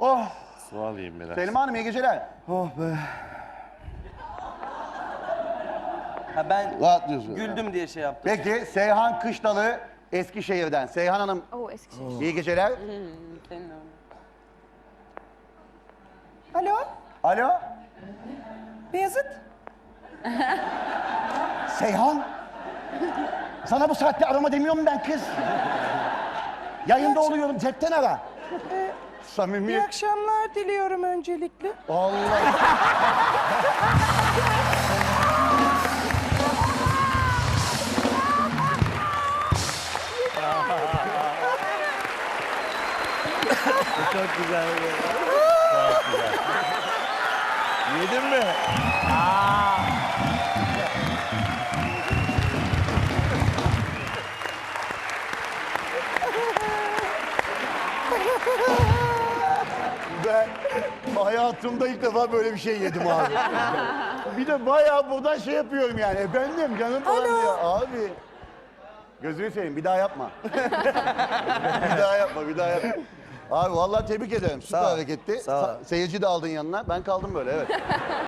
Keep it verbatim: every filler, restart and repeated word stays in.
Oh. Su alayım biraz. Selma Hanım iyi geceler. Oh be. Ha ben Rahatlıyorsun. güldüm diye şey yaptım. Peki Seyhan Kışlalı Eskişehir'den. Seyhan Hanım Oo Eskişehir. iyi geceler. Senin öyle. Alo, Alo. Beyazıt. Seyhan. Sana bu saatte arama demiyorum ben kız. Yayında oluyorum cepten ara. İyi Samimi. akşamlar diliyorum öncelikle. Allah. Çok güzel. Çok güzel. Yedin mi? Ben hayatımda ilk defa böyle bir şey yedim abi. Bir de bayağı buradan şey yapıyorum yani. Efendim canım falan diyor. Abi. Gözünü seveyim bir daha yapma. bir daha yapma, bir daha yapma. Abi vallahi tebrik ederim. Süper Sağ ol. hareketti. Sağ ol. Sa- Seyirci de aldın yanına. Ben kaldım böyle evet.